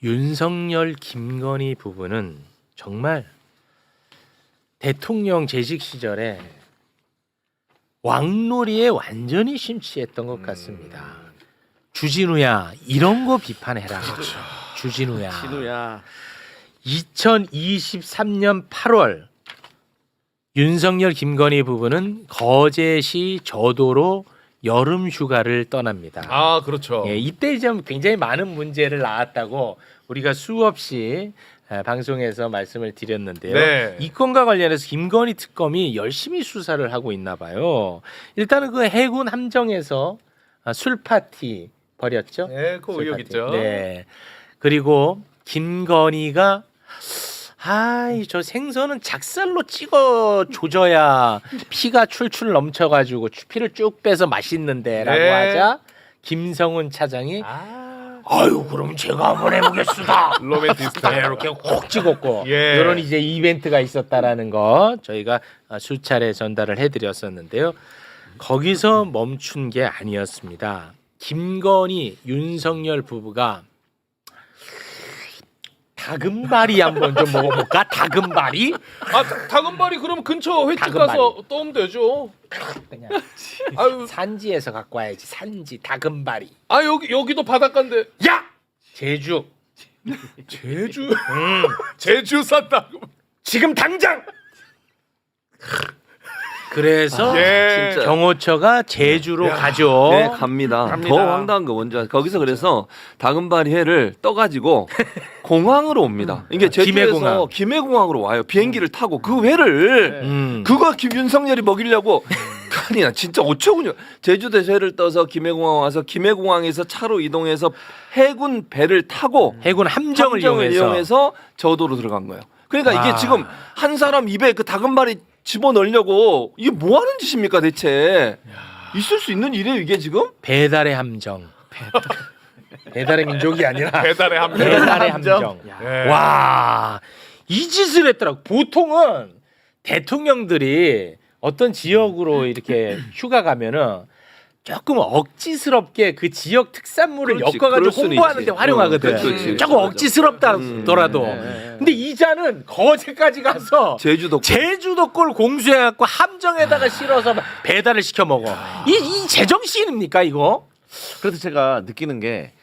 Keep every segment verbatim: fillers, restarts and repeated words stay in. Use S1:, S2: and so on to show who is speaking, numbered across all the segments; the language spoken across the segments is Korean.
S1: 윤석열, 김건희 부부는 정말 대통령 재직 시절에 왕놀이에 완전히 심취했던 것 같습니다. 음. 주진우야 이런 거 비판해라. 그렇죠. 주진우야.
S2: 진우야.
S1: 이천이십삼 년 팔월 윤석열, 김건희 부부는 거제시 저도로 여름 휴가를 떠납니다.
S3: 아, 그렇죠.
S1: 예, 이때 좀 굉장히 많은 문제를 낳았다고 우리가 수없이 방송에서 말씀을 드렸는데요.
S3: 네.
S1: 이 건과 관련해서 김건희 특검이 열심히 수사를 하고 있나 봐요. 일단은 그 해군 함정에서 술 파티 벌였죠.
S3: 네, 그
S1: 술
S3: 의혹
S1: 파티.
S3: 있죠.
S1: 네. 그리고 김건희가 아이 저 생선은 작살로 찍어 조져야 피가 출출 넘쳐가지고 피를 쭉 빼서 맛있는데라고
S3: 네.
S1: 하자 김성훈 차장이
S3: 아,
S1: 아유 그럼 제가 한번 해보겠습니다.
S3: 로맨티스트.
S1: 네, 이렇게 콕 찍었고
S3: 예.
S1: 이런 이제 이벤트가 있었다라는 거 저희가 수차례 전달을 해드렸었는데요. 거기서 멈춘 게 아니었습니다. 김건희, 윤석열 부부가 다금바리 한번 좀 먹어볼까? 다금바리?
S3: 아, 다- 다금바리 그럼 근처 횟집
S1: 다금바리.
S3: 가서 떠오면 되죠.
S1: 그냥
S3: 아유,
S1: 산지에서 갖고 와야지. 산지 다금바리.
S3: 아 여기 여기도 바닷가인데.
S1: 야! 제주.
S3: 제주.
S1: 음.
S3: 제주 산다.
S1: 지금 당장. 그래서
S3: 예.
S2: 진짜.
S1: 경호처가 제주로
S3: 야.
S1: 가죠.
S2: 네, 갑니다.
S3: 갑니다.
S2: 더 황당한 거 뭔지 아세요? 거기서 그래서 다금바리 회를 떠가지고 공항으로 옵니다. 이게 제주에서
S1: 김해공항.
S2: 김해공항으로 와요. 비행기를 타고 그 회를
S1: 음.
S2: 그거 김윤석열이 먹이려고 아니 나 진짜 어처구니 제주도에서 회를 떠서 김해공항 와서 김해공항에서 차로 이동해서 해군 배를 타고
S1: 해군 함정을,
S2: 함정을
S1: 이용해서,
S2: 이용해서 저도로 들어간 거예요. 그러니까
S1: 아.
S2: 이게 지금 한 사람 입에 그 다금바리 집어넣으려고 이게 뭐 하는 짓입니까 대체? 있을 수 있는 일이에요 이게 지금?
S1: 배달의 함정. 배달의 민족이 아니라
S3: 배달의 함정.
S1: 배달의 함정.
S3: 예.
S1: 와, 이 짓을 했더라고. 보통은 대통령들이 어떤 지역으로 이렇게 휴가 가면은 조금 억지스럽게 그 지역 특산물을
S2: 그렇지,
S1: 엮어가지고
S2: 그럴 수는
S1: 홍보하는데
S2: 있지.
S1: 활용하거든.
S2: 어, 그렇지, 그렇지.
S1: 조금 억지스럽다더라도.
S2: 음.
S1: 근데 이자는 거제까지 가서
S2: 제주도
S1: 제주도 꼴 공수해갖고 함정에다가 실어서 배달을 시켜 먹어. 이, 이 제정신입니까 이거?
S4: 그래서 제가 느끼는 게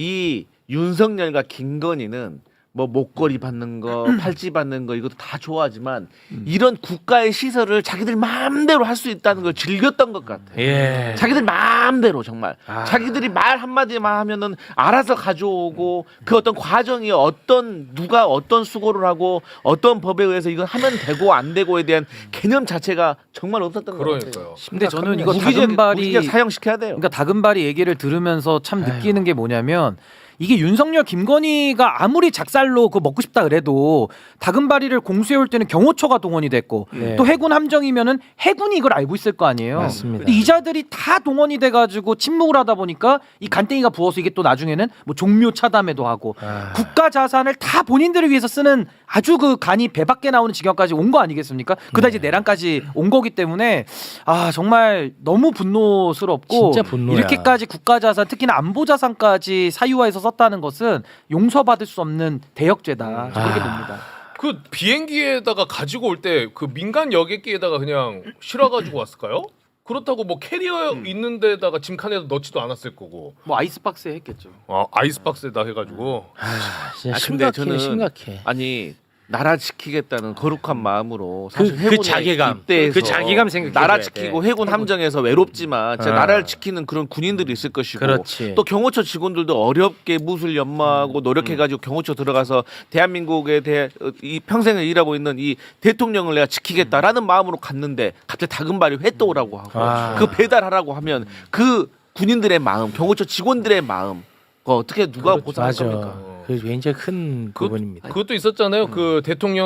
S4: 이 윤석열과 김건희는 뭐 목걸이 받는 거, 팔찌 받는 거 이것도 다 좋아하지만 이런 국가의 시설을 자기들 마음대로 할 수 있다는 걸 즐겼던 것 같아.
S1: 예.
S4: 자기들 마음대로 정말
S1: 아.
S4: 자기들이 말 한마디만 하면은 알아서 가져오고 그 어떤 과정이 어떤 누가 어떤 수고를 하고 어떤 법에 의해서 이건 하면 되고 안 되고에 대한 개념 자체가 정말 없었던 것 같아요.
S3: 그러니까요.
S5: 근데 저는 이거
S4: 무기적,
S5: 다금바리
S4: 무기적 사형시켜야 돼요.
S5: 그러니까 다금바리 얘기를 들으면서 참 느끼는 게 뭐냐면 이게 윤석열, 김건희가 아무리 작살로 그 먹고 싶다 그래도 다금바리를 공수해 올 때는 경호처가 동원이 됐고
S1: 네.
S5: 또 해군 함정이면은 해군이 이걸 알고 있을 거 아니에요.
S1: 맞습니다.
S5: 근데 이자들이 다 동원이 돼가지고 침묵을 하다 보니까 이 간땡이가 부어서 이게 또 나중에는 뭐 종묘 차담회도 하고
S1: 아.
S5: 국가 자산을 다 본인들을 위해서 쓰는 아주 그 간이 배 밖에 나오는 지경까지 온 거 아니겠습니까? 그다 이제 내란까지 온 거기 때문에 아 정말 너무 분노스럽고
S1: 진짜 분노야.
S5: 이렇게까지 국가 자산 특히나 안보 자산까지 사유화해서 썼다는 것은 용서받을 수 없는 대역죄다. 저 그렇게
S1: 아.
S5: 봅니다.
S3: 그 비행기에다가 가지고 올 때 그 민간 여객기에다가 그냥 실어가지고 왔을까요? 그렇다고 뭐 캐리어 있는 데다가 짐칸에다 넣지도 않았을 거고.
S5: 뭐 아이스박스에 했겠죠.
S3: 아, 아이스박스에다 해가지고.
S1: 아, 진짜
S4: 아, 근데
S1: 심각해,
S4: 저는-
S1: 심각해.
S4: 아니 나라 지키겠다는 거룩한 마음으로
S1: 그-
S4: 사실
S1: 그
S4: 해군에
S1: 자괴감,
S4: 입대해서
S1: 그 자괴감 생각해줘야
S4: 나라
S1: 돼.
S4: 지키고 해군 함정에서 외롭지만 진짜
S1: 아.
S4: 나라를 지키는 그런 군인들이 있을 것이고
S1: 그렇지.
S4: 또 경호처 직원들도 어렵게 무술 연마하고 노력해가지고 경호처 들어가서 대한민국에 대해 이 평생을 일하고 있는 이 대통령을 내가 지키겠다라는 마음으로 갔는데 갑자기 다금바리 회 떠오라고 하고
S1: 아.
S4: 그 배달하라고 하면 그 군인들의 마음, 경호처 직원들의 마음 그거 어떻게 누가 보상할
S1: 맞아.
S4: 겁니까?
S1: 그 굉장히 큰
S3: 그-
S1: 부분입니다.
S3: 그것도 있었잖아요. 그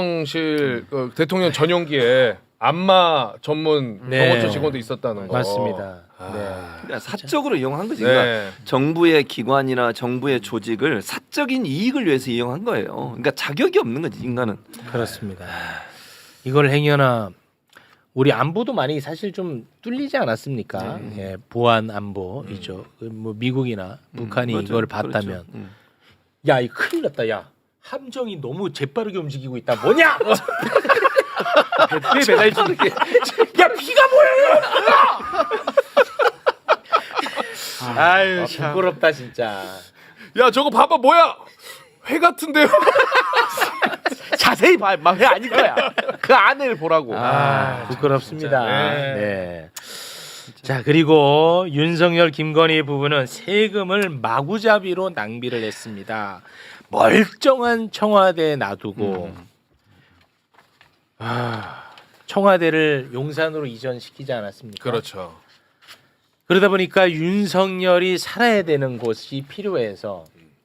S3: 대통령실 그 대통령 전용기에 안마 전문
S1: 네.
S3: 경호처 직원도 있었다는 거.
S1: 맞습니다.
S3: 아.
S1: 네.
S2: 그러니까 사적으로 이용한 거지. 그러니까
S3: 네.
S2: 정부의 기관이나 정부의 조직을 사적인 이익을 위해서 이용한 거예요. 그러니까 자격이 없는 거지 인간은.
S1: 그렇습니다. 이걸 행여나 우리 안보도 많이 사실 좀 뚫리지 않았습니까?
S2: 네.
S1: 예, 보안 안보이죠. 그뭐 미국이나 북한이
S2: 맞아요.
S1: 이걸 봤다면
S2: 그렇죠. 음.
S1: 야, 이 큰일 났다. 야, 함정이 너무 재빠르게 움직이고 있다. 뭐냐?
S5: 배 배달 중.
S1: 야, 비가 뭐야? 아유, 부끄럽다 진짜.
S3: 야 저거 봐봐 뭐야? 회 같은데요?
S4: 자세히 봐. 왜 아닐 거야. 그 안을 보라고.
S1: 아, 부끄럽습니다.
S3: 진짜.
S1: 네.
S3: 네.
S1: 자, 그리고 윤석열 김건희 부부는 세금을 마구잡이로 낭비를 했습니다. 멀쩡한 청와대에 놔두고 아, 청와대를 용산으로 이전시키지 않았습니까?
S3: 그렇죠.
S1: 그러다 보니까 윤석열이 살아야 되는 곳이 필요해서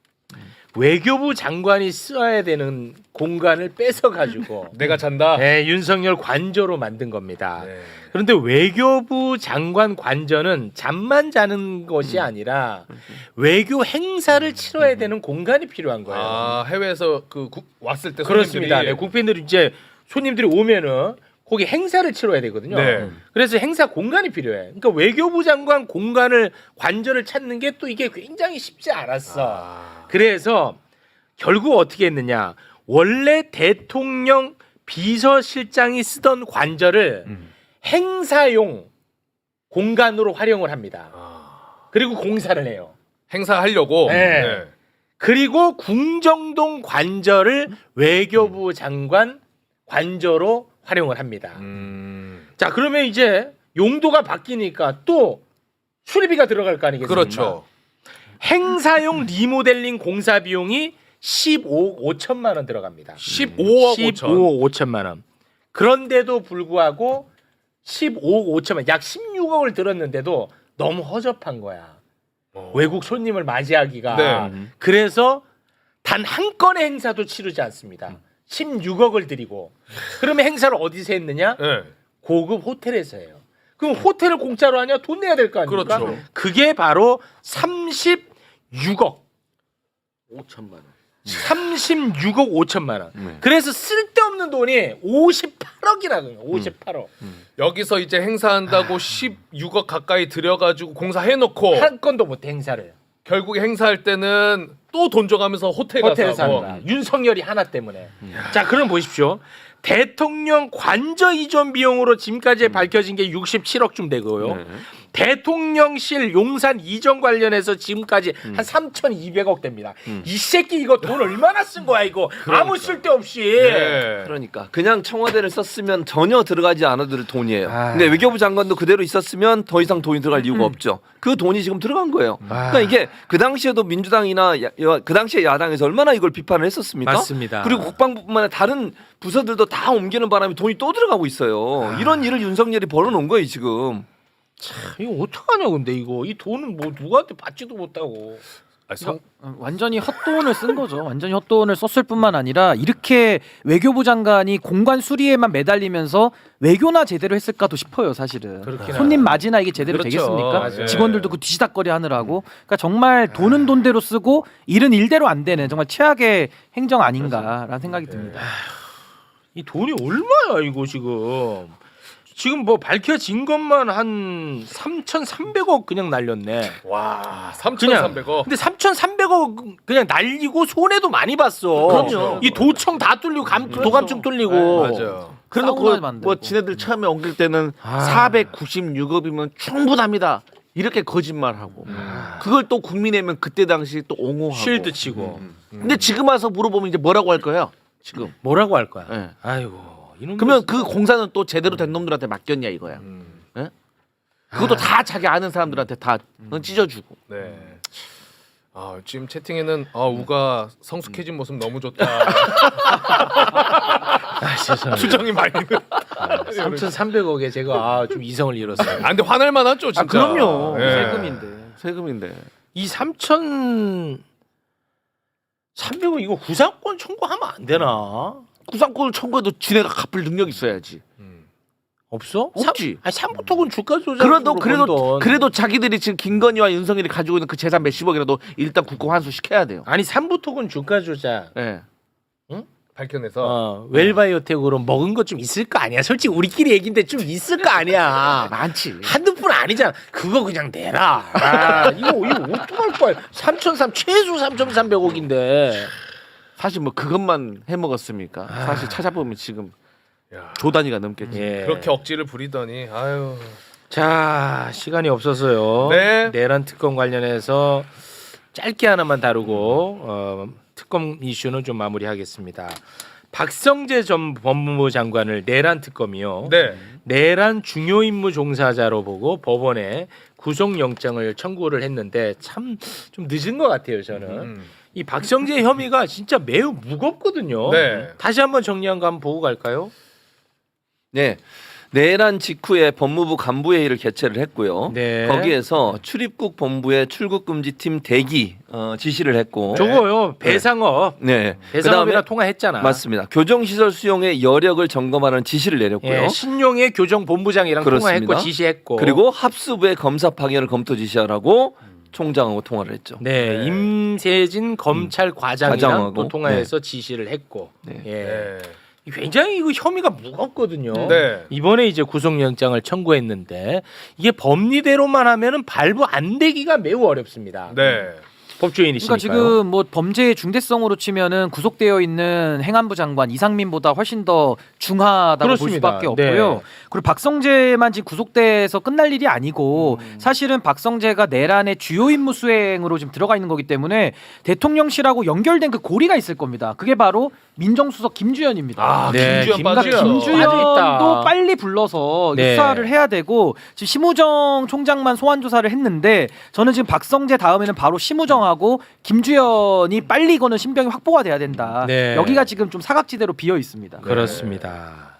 S1: 외교부 장관이 써야 되는 공간을 뺏어 가지고
S3: 내가 잔다.
S1: 네, 윤석열 관저로 만든 겁니다.
S3: 네.
S1: 그런데 외교부 장관 관저는 잠만 자는 것이 아니라 외교 행사를 치러야 되는 공간이 필요한 거예요.
S3: 아 해외에서 그 국- 왔을 때
S1: 그렇습니다.
S3: 손님들이
S1: 네, 국빈들이 이제 손님들이 오면은 거기 행사를 치러야 되거든요.
S3: 네.
S1: 그래서 행사 공간이 필요해. 그러니까 외교부 장관 공간을 관저를 찾는 게 또 이게 굉장히 쉽지 않았어.
S3: 아.
S1: 그래서 결국 어떻게 했느냐? 원래 대통령 비서실장이 쓰던 관저를
S3: 음.
S1: 행사용 공간으로 활용을 합니다.
S3: 아.
S1: 그리고 공사를 해요.
S3: 행사하려고.
S1: 네. 그리고 궁정동 관저를 외교부 장관 관저로 활용을 합니다.
S3: 음.
S1: 자, 그러면 이제 용도가 바뀌니까 또 수리비가 들어갈 거 아니겠습니까?
S3: 그렇죠.
S1: 행사용 리모델링 공사 비용이 십오억 오천만 원 들어갑니다.
S3: 십오억 오천.
S1: 십오억 오천만 원. 그런데도 불구하고 십오억 오천만 원, 약 십육억을 들었는데도 너무 허접한 거야.
S3: 어.
S1: 외국 손님을 맞이하기가.
S3: 네.
S1: 그래서 단 한 건의 행사도 치르지 않습니다. 십육억을 들이고. 그러면 행사를 어디서 했느냐?
S3: 네.
S1: 고급 호텔에서 해요. 그럼 호텔을 공짜로 하냐? 돈 내야 될 거 아닙니까?
S3: 그렇죠.
S1: 그게 바로 삼십육억.
S4: 오천만 원.
S1: 삼십육억 오천만 원.
S4: 네.
S1: 그래서 쓸데없는 돈이 오십팔억이라고요. 오십팔억.
S3: 여기서 이제 행사한다고 십육억 가까이 들여가지고 공사해놓고
S1: 한 건도 못해 행사를.
S3: 결국에 행사할 때는 또 돈 줘가면서 호텔
S1: 호텔에서
S3: 가서
S1: 하는
S3: 하고.
S1: 거야. 윤석열이 하나 때문에. 자, 그럼 보십시오. 대통령 관저 이전 비용으로 지금까지 밝혀진 게 육십칠억쯤 되고요.
S4: 네.
S1: 대통령실 용산 이전 관련해서 지금까지 한 삼천이백억 됩니다. 이 새끼 이거 돈 얼마나 쓴 거야 이거. 아무 쓸데없이.
S3: 네.
S2: 그러니까 그냥 청와대를 썼으면 전혀 들어가지 않아도 될 돈이에요.
S1: 아.
S2: 근데 외교부 장관도 그대로 있었으면 더 이상 돈이 들어갈 이유가 없죠. 그 돈이 지금 들어간 거예요.
S1: 아.
S2: 그러니까 이게 그 당시에도 민주당이나 야, 야, 그 당시에 야당에서 얼마나 이걸 비판을 했었습니까?
S1: 맞습니다.
S2: 그리고 국방부뿐만 아니라 다른 부서들도 다 옮기는 바람에 돈이 또 들어가고 있어요. 이런 일을 윤석열이 벌어놓은 거예요 지금.
S1: 이거 어떡하냐 근데 이거. 이 돈은 뭐 누구한테 받지도 못하고.
S3: 아니, 성,
S5: 어, 완전히 헛돈을 쓴 거죠. 완전히 헛돈을 썼을 뿐만 아니라 이렇게 외교부 장관이 공간 수리에만 매달리면서 외교나 제대로 했을까도 싶어요, 사실은.
S1: 그렇긴
S5: 손님 맞이나 이게 제대로
S3: 그렇죠.
S5: 되겠습니까?
S3: 맞아요.
S5: 직원들도 그 뒤지닥거리 하느라고. 그러니까 정말 돈은 돈대로 쓰고 일은 일대로 안 되는 정말 최악의 행정 아닌가라는 생각이 듭니다.
S1: 이 돈이 얼마야 이거 지금. 지금 뭐 밝혀진 것만 한 삼천삼백억 그냥 날렸네.
S3: 와 삼천삼백억.
S1: 근데 삼천삼백억 그냥 날리고 손해도 많이 봤어.
S4: 그럼요.
S1: 이 도청 다 뚫리고 감,
S3: 그렇죠.
S1: 도감청 뚫리고.
S3: 네, 맞아요.
S4: 그래놓고
S5: 사우나 만들고.
S4: 뭐 지네들 처음에 옮길 때는
S1: 아.
S4: 사백구십육억이면 충분합니다. 이렇게 거짓말하고 그걸 또 국민의힘은 그때 당시 또 옹호하고.
S1: 쉴드 치고.
S4: 근데 지금 와서 물어보면 이제 뭐라고 할 거예요? 지금.
S1: 뭐라고 할 거야?
S4: 네.
S1: 아이고. 이놈
S4: 그러면 그 공사는 또 제대로 된 놈들한테 맡겼냐 이거야.
S3: 음.
S4: 예? 그것도 다 자기 아는 사람들한테 다 어, 찢어주고.
S3: 네. 아 지금 채팅에는 아 우가 성숙해진 모습 너무 좋다.
S1: 아, 죄송합니다.
S3: 수정이 많이.
S1: 삼천삼백억에 제가 아, 좀 이성을 잃었어요.
S3: 아 근데 화날 만하죠 진짜.
S4: 아, 그럼요.
S3: 예.
S5: 세금인데.
S4: 세금인데.
S1: 이 삼천삼백억 이거 구상권 청구하면 안 되나?
S4: 구상권을 청구해도 지네가 갚을 능력 있어야지.
S3: 음.
S1: 없어?
S4: 없지.
S1: 아니 삼부토군 주가 조작.
S4: 그래도 그래도 그래도 자기들이 지금 김건희와 윤석열이 가지고 있는 그 재산 몇십억이라도 일단 국고 환수 시켜야 돼요.
S1: 아니 삼부토군 주가 조작.
S4: 예.
S3: 밝혀내서.
S1: 어, 웰바이오텍으로 먹은 것 좀 있을 거 아니야. 솔직히 우리끼리 얘기인데 좀 있을 거 아니야.
S4: 많지.
S1: 한두 푼 아니잖아. 그거 그냥 내라. 아, 이거 이거 어떡할 거야? 삼천삼 최소 삼천삼백억인데.
S4: 사실 뭐 그것만 해 먹었습니까? 사실 찾아보면 지금
S3: 야,
S4: 조 단위가 넘겠지.
S1: 예.
S3: 그렇게 억지를 부리더니 아유.
S1: 자, 시간이 없어서요.
S3: 네.
S1: 내란 특검 관련해서 짧게 하나만 다루고 어, 특검 이슈는 좀 마무리하겠습니다. 박성재 전 법무부 장관을 내란 특검이요.
S3: 네.
S1: 내란 중요 임무 종사자로 보고 법원에 구속영장을 청구를 했는데 참 좀 늦은 것 같아요. 저는
S3: 음.
S1: 이 박성재 혐의가 진짜 매우 무겁거든요.
S3: 네.
S1: 다시 한번 정리한 거 한번 보고 갈까요?
S2: 네. 내란 직후에 법무부 간부회의를 개최를 했고요.
S1: 네.
S2: 거기에서 출입국 본부의 출국 금지팀 대기 어, 지시를 했고,
S1: 저거요 배상업
S2: 네.
S1: 배상업이랑
S2: 그다음에
S1: 통화했잖아.
S2: 맞습니다. 교정시설 수용의 여력을 점검하는 지시를 내렸고요.
S1: 예, 신용의 교정 본부장이랑
S2: 그렇습니다.
S1: 통화했고 지시했고.
S2: 그리고 합수부의 검사 파견을 검토 지시하라고 총장하고 통화를 했죠.
S1: 네,
S3: 네.
S1: 임세진 검찰 과장이랑
S2: 과장하고,
S1: 또 통화해서 지시를 했고.
S2: 네.
S1: 예.
S3: 네.
S1: 굉장히 이거 혐의가 무겁거든요.
S3: 네.
S1: 이번에 이제 구속영장을 청구했는데 이게 법리대로만 하면은 발부 안 되기가 매우 어렵습니다.
S3: 네.
S1: 법조인이시니까요.
S5: 그러니까 지금 뭐 범죄의 중대성으로 치면은 구속되어 있는 행안부 장관 이상민보다 훨씬 더 중하다고
S1: 그렇습니다.
S5: 볼 수밖에 없고요.
S1: 네.
S5: 그리고 박성재만 지금 구속돼서 끝날 일이 아니고
S1: 음.
S5: 사실은 박성재가 내란의 주요 임무 수행으로 지금 들어가 있는 거기 때문에 대통령실하고 연결된 그 고리가 있을 겁니다. 그게 바로 민정수석 김주현입니다.
S3: 아,
S1: 네,
S3: 김주현
S1: 김-
S3: 빠져.
S5: 그러니까
S1: 빠져있다.
S5: 김주현도 빨리 불러서
S1: 네.
S5: 수사를 해야 되고 지금 심우정 총장만 소환 조사를 했는데 저는 지금 박성재 다음에는 바로 심우정하고 김주현이 빨리 이거는 신병이 확보가 돼야 된다.
S1: 네.
S5: 여기가 지금 좀 사각지대로 비어 있습니다.
S1: 그렇습니다.